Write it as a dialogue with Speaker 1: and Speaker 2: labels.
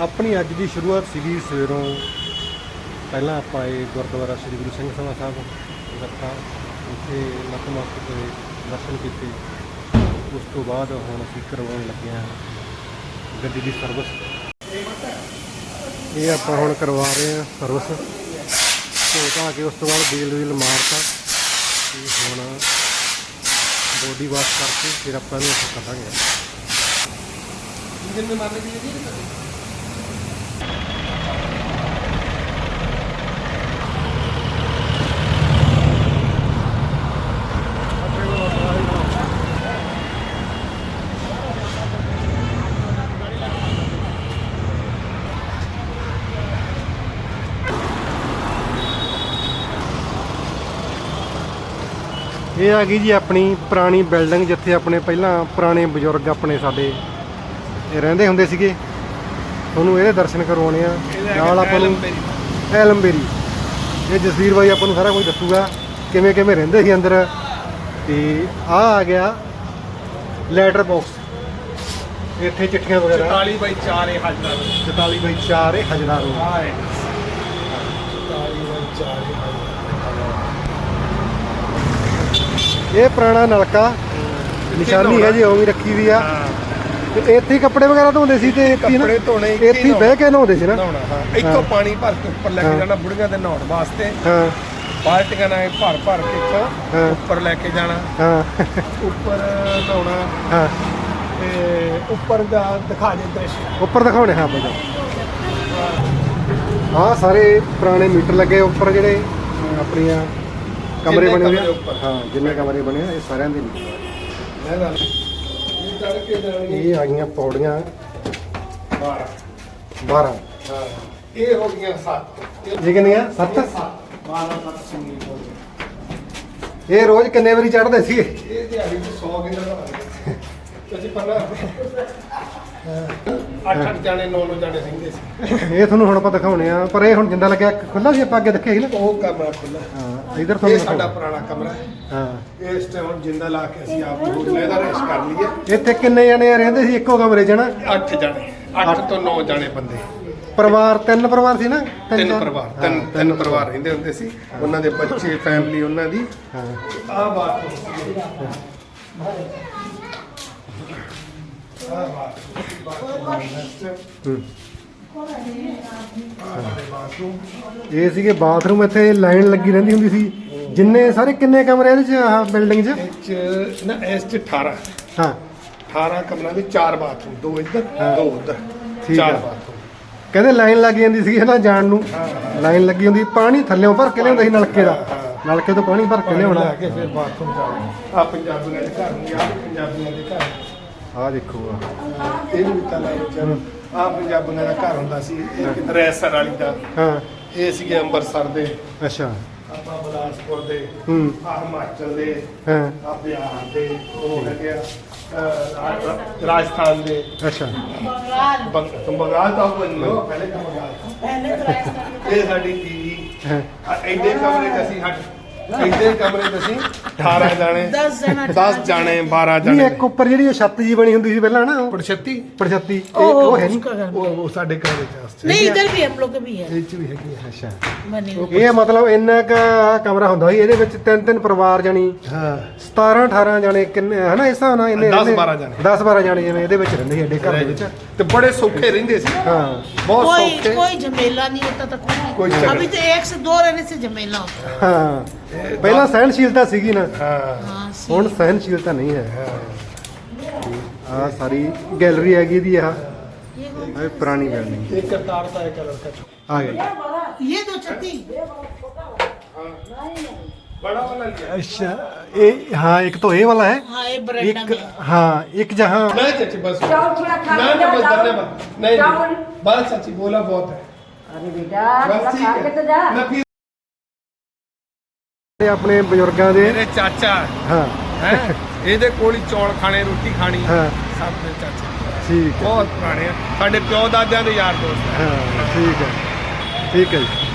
Speaker 1: ਆਪਣੀ ਅੱਜ ਦੀ ਸ਼ੁਰੂਆਤ ਸੀਗੀ ਸਵੇਰੋਂ। ਪਹਿਲਾਂ ਆਪਾਂ ਇਹ ਗੁਰਦੁਆਰਾ ਸ੍ਰੀ ਗੁਰੂ ਸਿੰਘ ਸਭਾ ਸਾਹਿਬ ਰੱਖਾ, ਉੱਥੇ ਨਤਮਸਤਕ ਹੋਏ, ਦਰਸ਼ਨ ਕੀਤੇ। ਉਸ ਤੋਂ ਬਾਅਦ ਹੁਣ ਅਸੀਂ ਕਰਵਾਉਣ ਲੱਗੇ ਹਾਂ ਗੱਡੀ ਦੀ ਸਰਵਿਸ। ਇਹ ਆਪਾਂ ਹੁਣ ਕਰਵਾ ਰਹੇ ਹਾਂ ਸਰਵਿਸ, ਧੋ ਧਾ ਕੇ ਉਸ ਤੋਂ ਬਾਅਦ ਵੀਲ ਮਾਰਤਾ ਤੇ ਹੁਣ ਬੋਡੀ ਵਾਸ਼ ਕਰਕੇ ਫਿਰ ਆਪਾਂ ਇਹਨੂੰ ਇੱਥੇ ਕੱਢਾਂਗੇ। ਇਹ ਆ ਗਈ ਜੀ ਆਪਣੀ ਪੁਰਾਣੀ ਬਿਲਡਿੰਗ, ਜਿੱਥੇ ਆਪਣੇ ਪਹਿਲਾਂ ਪੁਰਾਣੇ ਬਜ਼ੁਰਗ ਆਪਣੇ ਸਾਡੇ ਇਹ ਰਹਿੰਦੇ ਹੁੰਦੇ ਸੀਗੇ। ਤੁਹਾਨੂੰ ਇਹਦੇ ਦਰਸ਼ਨ ਕਰਵਾਉਣੇ ਆ। ਨਾਲ ਆਪਾਂ ਨੂੰ ਐਲਮਬੇਰੀ, ਇਹ ਜਸਵੀਰ ਬਾਈ ਆਪਾਂ ਨੂੰ ਸਾਰਾ ਕੁਝ ਦੱਸੂਗਾ ਕਿਵੇਂ ਕਿਵੇਂ ਰਹਿੰਦੇ ਸੀ ਅੰਦਰ। ਤੇ ਆ ਗਿਆ ਲੈਟਰ ਬਾਕਸ, ਇੱਥੇ ਚਿੱਠੀਆਂ ਵਗੈਰਾ
Speaker 2: 44/4 ਇਹ ਹਜਦਾ
Speaker 1: 44/4 ਇਹ ਹਜਦਾ ਰੋ। ਇਹ ਪੁਰਾਣਾ ਨਲਕਾ ਨਿਸ਼ਾਨੀ ਹੈ ਜੀ, ਉਹ ਵੀ ਰੱਖੀ ਵੀ ਆ। ਤੇ ਇੱਥੇ ਕੱਪੜੇ ਵਗੈਰਾ ਧੋਂਦੇ ਸੀ ਤੇ
Speaker 2: ਕੱਪੜੇ ਧੋਣੇ
Speaker 1: ਇੱਥੇ ਬਹਿ ਕੇ ਨਹਾਉਂਦੇ ਸੀ ਨਾ।
Speaker 2: ਇੱਥੋਂ ਪਾਣੀ ਭਰ ਕੇ ਉੱਪਰ ਲੈ ਕੇ ਜਾਣਾ ਬੁੜੀਆਂ ਦੇ ਨਹਾਉਣ ਵਾਸਤੇ।
Speaker 1: ਹਾਂ,
Speaker 2: ਬਾਲਟੀਆਂ ਨਾਲ ਭਰ ਕੇ ਇੱਥੋਂ ਉੱਪਰ ਲੈ ਕੇ ਜਾਣਾ।
Speaker 1: ਹਾਂ,
Speaker 2: ਉੱਪਰ ਨਹਾਉਣਾ।
Speaker 1: ਹਾਂ,
Speaker 2: ਤੇ ਉੱਪਰ ਦਾ ਦਿਖਾ ਦੇ ਦ੍ਰਿਸ਼
Speaker 1: ਉੱਪਰ ਦਿਖਾਉਣੇ। ਹਾਂ ਬਾਈ, ਆਹ ਸਾਰੇ ਪੁਰਾਣੇ ਮੀਟਰ ਲੱਗੇ ਉੱਪਰ, ਜਿਹੜੇ ਆਪਣੀਆਂ ਕਮਰੇ ਬਣੇ ਹੋਏ ਆ। ਹਾਂ, ਜਿੰਨੇ ਕਮਰੇ ਬਣੇ ਆ ਇਹ ਸਾਰਿਆਂ ਦੇ ਨਹੀਂ। ਇਹ ਆ ਗਈਆਂ ਪੌੜੀਆਂ 12।
Speaker 2: ਹਾਂ, ਇਹ ਹੋ ਗਈਆਂ 7।
Speaker 1: ਇਹ ਕਿੰਨੀਆਂ? 7।
Speaker 2: 12 ਸਿੰਗੀ ਹੋ ਗਏ।
Speaker 1: ਇਹ ਰੋਜ਼ ਕਿੰਨੇ ਵਾਰੀ ਚੜ੍ਹਦੇ ਸੀ?
Speaker 2: ਇਹ ਦਿਹਾੜੀ ਚ 100 ਕਿਲੋ ਦਾ ਤੁਸੀਂ ਪਹਿਲਾਂ 8 ਜਾਣੇ 9 ਜਾਣੇ ਰਹਿੰਦੇ ਸੀ।
Speaker 1: ਇਹ ਤੁਹਾਨੂੰ ਹੁਣ ਆਪਾਂ ਦਿਖਾਉਣੇ ਆ, ਪਰ ਇਹ ਹੁਣ ਜਿੰਦਾ ਲੱਗਿਆ ਖੁੱਲਾ ਸੀ, ਆਪਾਂ ਅੱਗੇ ਦੇਖਿਆ ਸੀ ਨਾ।
Speaker 2: ਉਹ ਕਮਰਾ ਖੁੱਲਾ।
Speaker 1: ਹਾਂ, ਇਧਰ
Speaker 2: ਇਹ
Speaker 1: ਤੁਹਾਨੂੰ
Speaker 2: ਸਾਡਾ ਪੁਰਾਣਾ ਕਮਰਾ ਹੈ।
Speaker 1: ਹਾਂ,
Speaker 2: ਇਸ ਟਾਈਮ ਹੁਣ ਜਿੰਦਾ ਲਾ ਕੇ ਅਸੀਂ ਆਪ ਨੂੰ ਲੈਦਾ ਰੈਸ ਕਰ ਲਈਏ।
Speaker 1: ਇੱਥੇ ਕਿੰਨੇ ਜਣੇ ਰਹਿੰਦੇ ਸੀ ਇੱਕੋ ਕਮਰੇ 'ਚ ਨਾ?
Speaker 2: 8 ਜਾਣੇ, 8 ਤੋਂ 9 ਜਾਣੇ ਬੰਦੇ।
Speaker 1: ਪਰਿਵਾਰ 3 ਪਰਿਵਾਰ ਸੀ ਨਾ?
Speaker 2: ਤਿੰਨ ਪਰਿਵਾਰ ਰਹਿੰਦੇ ਹੁੰਦੇ ਸੀ। ਉਹਨਾਂ ਦੇ ਬੱਚੇ, ਫੈਮਿਲੀ ਉਹਨਾਂ ਦੀ।
Speaker 1: ਹਾਂ,
Speaker 2: ਆਹ ਬਾਤ
Speaker 1: ਇਹ ਸੀਗੇ ਬਾਥਰੂਮ। ਇੱਥੇ ਲਾਈਨ ਲੱਗੀ ਰਹਿੰਦੀ ਹੁੰਦੀ ਸੀ। ਜਿੰਨੇ ਸਾਰੇ ਕਿੰਨੇ ਕਮਰੇ ਇਹਦੇ 'ਚ ਆਹ ਬਿਲਡਿੰਗ 'ਚ?
Speaker 2: ਇਸ 'ਚ 18।
Speaker 1: ਹਾਂ,
Speaker 2: 18 ਕਮਰਿਆਂ ਦੇ 4 ਬਾਥਰੂਮ, 2 ਇੱਧਰ 2 ਉੱਧਰ,
Speaker 1: ਠੀਕ
Speaker 2: 4
Speaker 1: ਆ।
Speaker 2: ਬਾਥਰੂਮ।
Speaker 1: ਕਹਿੰਦੇ ਲਾਈਨ ਲੱਗ ਜਾਂਦੀ ਸੀ ਨਾ ਜਾਣ ਨੂੰ। ਲਾਈਨ ਲੱਗੀ ਹੁੰਦੀ, ਪਾਣੀ ਥੱਲਿਓਂ ਭਰ ਕੇ ਲਿਆਉਂਦਾ ਸੀ ਨਲਕੇ ਦਾ। ਨਲਕੇ ਤੋਂ ਪਾਣੀ ਭਰ ਕੇ ਲਿਆਉਣਾ
Speaker 2: ਕੇ ਫਿਰ ਬਾਥਰੂਮ ਜਾਣਾ। ਆ ਪੰਜਾਬੀਆਂ ਦੇ ਘਰ ਨਹੀਂ, ਆ ਪੰਜਾਬੀਆਂ ਦੇ ਘਰ।
Speaker 1: ਆਹ ਦੇਖੋ,
Speaker 2: ਇਹਨੂੰ ਵੀ ਤਾਲਾ ਬੱਚਿਆਂ ਨੂੰ। ਆ ਪੰਜਾਬੀਆਂ ਦਾ ਘਰ ਹੁੰਦਾ ਸੀ, ਇੱਕ ਰੈਸਰ ਵਾਲੀ ਦਾ।
Speaker 1: ਹਾਂ,
Speaker 2: ਇਹ ਸੀਗੇ ਅੰਮ੍ਰਿਤਸਰ ਦੇ,
Speaker 1: ਅੱਛਾ,
Speaker 2: ਆਪਾਂ ਬਿਲਾਸਪੁਰ ਦੇ,
Speaker 1: ਹੂੰ,
Speaker 2: ਆ ਹਿਮਾਚਲ ਦੇ,
Speaker 1: ਹਾਂ,
Speaker 2: ਆ ਬਿਹਾਰ ਦੇ, ਉਹ ਹੈਗੇ ਆ ਰਾਜਸਥਾਨ ਦੇ।
Speaker 1: ਅੱਛਾ,
Speaker 2: ਬੰਗਾਲ ਤਾਂ ਉਹ ਨਹੀਂ ਹੋ, ਪਹਿਲੇ ਤਾਂ ਬੰਗਾਲ। ਇਹ ਸਾਡੀ ਟੀਵੀ।
Speaker 1: ਹਾਂ,
Speaker 2: ਐਡੇ ਕਮਰੇ 'ਚ ਅਸੀਂ 18 ਜਾਣੇ, 10 ਜਾਣੇ, 12
Speaker 1: ਨਹੀਂ
Speaker 2: ਜਾਣੇ।
Speaker 1: ਇੱਕ ਉੱਪਰ ਜਿਹੜੀ ਉਹ ਛੱਤ ਜੀ ਬਣੀ ਹੁੰਦੀ ਸੀ ਪਹਿਲਾਂ ਨਾ, ਉਹ
Speaker 2: ਪੜਛੱਤੀ
Speaker 1: ਪੜਛੱਤੀ, ਉਹ ਹੈ ਨਹੀਂ?
Speaker 2: ਉਹ ਸਾਡੇ ਘਰ ਵਿੱਚ
Speaker 3: नहीं इधर भी हम लोग के भी है
Speaker 2: ਇਹ 'ਚ ਵੀ ਹੈਗੀ ਆ।
Speaker 1: ਅੱਛਾ,
Speaker 3: बनी हुई।
Speaker 1: ਇਹ ਮਤਲਬ ਇੰਨਾ ਕ ਕਮਰਾ ਹੁੰਦਾ ਸੀ। ਇਹਦੇ ਵਿੱਚ 3 ਪਰਿਵਾਰ ਜਾਣੀ
Speaker 2: ਹਾਂ,
Speaker 1: 17-18 ਜਾਣੇ ਕਿੰਨੇ ਹਨਾ, ਇਸ ਹਿਸਾਬ ਨਾਲ ਇਹਨੇ
Speaker 2: 10-12 ਜਾਣੇ।
Speaker 1: 10-12 ਜਾਣੇ ਜਿਵੇਂ ਇਹਦੇ ਵਿੱਚ ਰਹਿੰਦੇ ਸੀ ਐਡੇ ਘਰ ਦੇ ਵਿੱਚ।
Speaker 2: ਤੇ ਬੜੇ ਸੌਖੇ ਰਹਿੰਦੇ ਸੀ,
Speaker 1: ਹਾਂ,
Speaker 2: ਬਹੁਤ
Speaker 3: कोई
Speaker 2: ਸੌਖੇ।
Speaker 3: कोई झमेला नहीं होता था
Speaker 2: कोई
Speaker 3: कोई।
Speaker 2: झगड़ा।
Speaker 3: अभी तो 1 से 2 रहने से झमेला होता है।
Speaker 1: ਹਾਂ, ਪਹਿਲਾਂ ਸਹਿਣਸ਼ੀਲਤਾ ਸੀਗੀ ਨਾ,
Speaker 2: ਹਾਂ,
Speaker 3: हाँ,
Speaker 1: ਹੁਣ ਸਹਿਣਸ਼ੀਲਤਾ ਨਹੀਂ ਹੈ। ਆਹ ਸਾਰੀ ਗੈਲਰੀ ਹੈਗੀ ਦੀ। ਆਹ ਇਹ ਪੁਰਾਣੀ ਬਿਲਡਿੰਗ
Speaker 2: ਇੱਕ ਕਰਤਾਰ ਦਾ ਇੱਕ ਲੜਕਾ
Speaker 1: ਆ ਗਈ।
Speaker 3: ये 2 छत्ती
Speaker 2: ਬੜਾ ਵਾਲਾ ਲਿਆ।
Speaker 1: ਅੱਛਾ, ਇਹ ਹਾਂ, ਇੱਕ तो ये वाला है,
Speaker 3: हाँ ये बरामदा
Speaker 1: एक
Speaker 3: में।
Speaker 1: हाँ, एक जहाँ
Speaker 2: नहीं चाची बस
Speaker 4: चावल थोड़ा खा
Speaker 2: ना
Speaker 4: के
Speaker 2: ना बस
Speaker 4: जाओ।
Speaker 2: धन्यवाद। नहीं
Speaker 4: चावल।
Speaker 2: नहीं, बस चाची बोला बहुत है।
Speaker 4: अरे बेटा
Speaker 2: बस
Speaker 4: थोड़ा
Speaker 2: ठीक
Speaker 4: खा के तो जा।
Speaker 2: है। मैं फिर
Speaker 1: ਆਪਣੇ ਬਜ਼ੁਰਗਾਂ ਦੇ।
Speaker 2: ਮੇਰੇ ਚਾਚਾ
Speaker 1: ਹਾਂ,
Speaker 2: ਹੈ, ਇਹਦੇ ਕੋਲ ਹੀ ਚੌਲ ਖਾਣੇ, ਰੋਟੀ ਖਾਣੀ।
Speaker 1: ਹਾਂ,
Speaker 2: ਸਭ ਮੇਰੇ ਚਾਚਾ
Speaker 1: ਠੀਕ ਹੈ।
Speaker 2: ਬਹੁਤ ਪੁਰਾਣੇ ਆ, ਸਾਡੇ ਪਿਓ ਦਾਦਿਆਂ ਦੇ ਯਾਰ ਦੋਸਤ ਆ।
Speaker 1: ਹਾਂ, ਠੀਕ ਹੈ, ਠੀਕ ਹੈ ਜੀ।